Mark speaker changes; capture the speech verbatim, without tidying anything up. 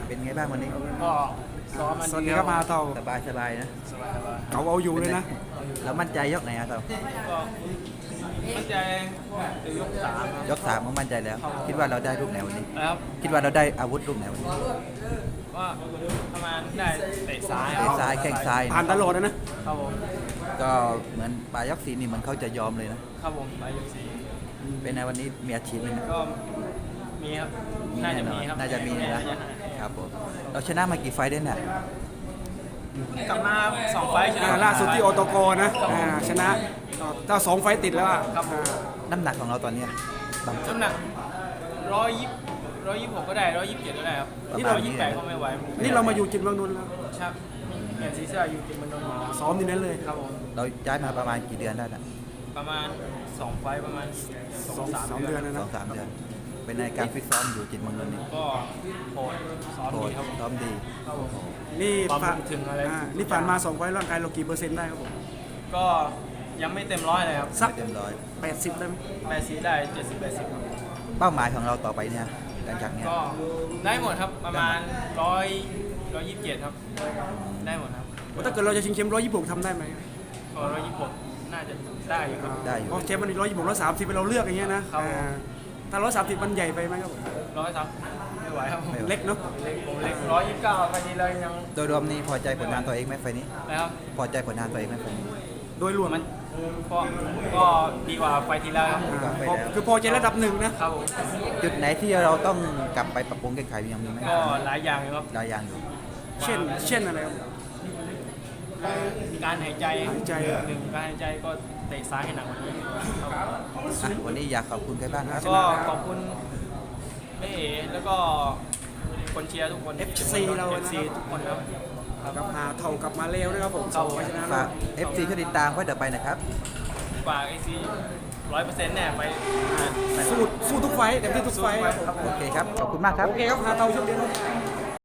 Speaker 1: เป็นไงบ้างวันนี้
Speaker 2: ก็ซ้อมมัน
Speaker 3: สวัสดีครับมาเต่า
Speaker 1: สบายสบายนะ
Speaker 2: สบายสบาย
Speaker 3: เขาเอาอยู่เลยนะ
Speaker 1: แล้วมั่นใจยกไหนอะเต่า
Speaker 2: ก็มั่นใจจะยกสามครับ
Speaker 1: ยกสามก็มั่นใจแล้ว คิดว่าเราได้ลูกไหนวันนี้
Speaker 2: แล้ว
Speaker 1: คิดว่าเราได้อาวุธลูกไหนวันนี้
Speaker 2: ก็ประมาณได้เตะซ้าย
Speaker 1: เตะซ้ายแข้งซ้าย
Speaker 3: ผ่านตลอดนะนะ
Speaker 2: ครับผม
Speaker 1: ก็เหมือนปลายยกสีนี่เหมือนเขาจะยอมเลยนะครับ
Speaker 2: ผมไปยกสี่
Speaker 1: เป็นในวันนี้มีอาชีพไหมนะ
Speaker 2: ก็มีครับน่าจะมีครับ
Speaker 1: น่าจะมีนะ
Speaker 2: น่าจ
Speaker 1: ครับผมเราชนะมากี่ไฟต์ได้เนี่ย
Speaker 2: กลับมาสองไฟล์ชนะ
Speaker 3: อ่าล่าสุดที่โอโตโกนะอ่าชนะเจ้าสองไฟต์ติดแล้วอ่ะ
Speaker 2: ครับผม
Speaker 1: น้ำหนักของเราตอนเนี้ยบาง
Speaker 2: น้ำหนักร้อยยี่ร้อยยี่หกก็ได้ร้อยยี่สิบเจ็ดก็ได้ครับ
Speaker 1: ประ
Speaker 2: ร้
Speaker 1: มา
Speaker 2: อ
Speaker 1: ณ
Speaker 2: ย
Speaker 1: นี้
Speaker 2: ยี่สิบแปดก็ไม่ไหว
Speaker 3: นี่เรามาอยู่จิตเมืองนนท์แล้ว
Speaker 2: ครับเปลี่ยนซีซ่าอยู่กินมันนนท์มา
Speaker 3: ซ้อมที่นั่นเลย
Speaker 2: ครับผม
Speaker 1: เราย้ายมาประมาณกี่เดือนได้นะ
Speaker 2: ประมาณสองไฟล์ประมาณสอง
Speaker 3: สอง
Speaker 2: สาม
Speaker 3: สาม
Speaker 2: เดื
Speaker 3: เดื
Speaker 2: อ
Speaker 3: อน นนะ
Speaker 1: ส
Speaker 3: นะ
Speaker 1: องสามเดือนเป็นในการฟิตซ้อมอยู่จิตเมืองนนท์นี่
Speaker 2: ก็โหดซ้อม
Speaker 1: โห
Speaker 2: ดี
Speaker 1: ด
Speaker 2: ครับผม
Speaker 1: ซ้อมดี
Speaker 2: ครับผม
Speaker 3: นี่
Speaker 2: ความ
Speaker 3: ผ่าน
Speaker 2: ถึงอะไร
Speaker 3: อ่านี่ผ่านมาสองไฟต์ร่างกายเรากี่เปอร์เซ็นต์ได้ครับผม
Speaker 2: ก็ยังไม่เต็มร้อยเลยครับ
Speaker 3: สัก
Speaker 1: ไม่เต็มร้อย
Speaker 3: แปดสิบได้ไหม
Speaker 2: แปดสิบได้เจ็ดสิบแปดสิบครับ
Speaker 1: เป้าหมายของเราต่อไปเนี่ยหลังจากเนี้ย
Speaker 2: ก็ได้หมดครับประมาณร้อยร้อยยี่สิบเจ็ดครับได้หมดครับ
Speaker 3: ถ้าเกิดเราจะชิงแชมป์ร้อยยี่สิบหกทำได้ไหม
Speaker 2: ก็ร้อยยี่สิบหกน่าจะได้อยู่ครับ
Speaker 1: ได้อยู่
Speaker 3: เพราะแชมป์มันร้อยยี่สิบหกร้อยสามสิบเราเลือกอย่างเงี้ยนะครับ อ่าถ้าร้อยสามสิบมันใหญ่ไปไหมครับผม
Speaker 2: ร้อยสามไม่ไหวครับผม
Speaker 3: เล็กเนาะ
Speaker 2: เล็กผมเล็กร้อยยี่สิบเก้าไปนี้เลยยัง
Speaker 1: โดยรวมนี่พอใจผลงานตัวเองไหมไฟล์นี้
Speaker 2: แล้ว
Speaker 1: พอใจผลงานตัวเองไหมผม
Speaker 3: โดยรวม
Speaker 2: มันก็ก็ดีกว่าไฟที่แล้วครับ
Speaker 3: อ่าพอคือพอใจระดับหนึ่งนะ
Speaker 2: ครับผม
Speaker 1: จุดไหนที่เราต้องกลับไปปรับปรุงแก้ไขยังมีไหม
Speaker 2: ก็หลายอย่างอยู่ครับ
Speaker 1: หลายอย่างอยู่
Speaker 3: เช่น เช่นอะไรครับ
Speaker 2: การหายใจ
Speaker 3: หายใจ
Speaker 2: หนึ่งการหายใจก็เตะซ้ายให้หนักกว่านี้ครับ
Speaker 1: อ่ะวันนี้อยากขอบคุณใครบ้างครับ
Speaker 2: ก็ขอบคุณแม่เอ๋แล้วก็คนเชียร์ทุกคน
Speaker 3: เอฟซีเรา
Speaker 2: เอ
Speaker 3: นะ
Speaker 2: ฟซีทุกคนครับ
Speaker 3: กับหาเท่ากับมาเลวนะครับผม
Speaker 2: ค
Speaker 3: ส
Speaker 2: รั
Speaker 3: อบ งไฟต์ชนะ
Speaker 1: ฝาก เอฟ ซี ช่วยติดตามไว้เดี๋ยวไปนะครับ
Speaker 2: ฝากไอซีร้อยเปอร์เซ็นต์เนี่ยไปไป
Speaker 3: สู้สู้ทุกไฟต์เต็มที่ทุกไฟต์ครับผม
Speaker 1: โอเคครับ ขอบคุณมากครับ
Speaker 3: โอเคครับหาเท่าโชคดีครับ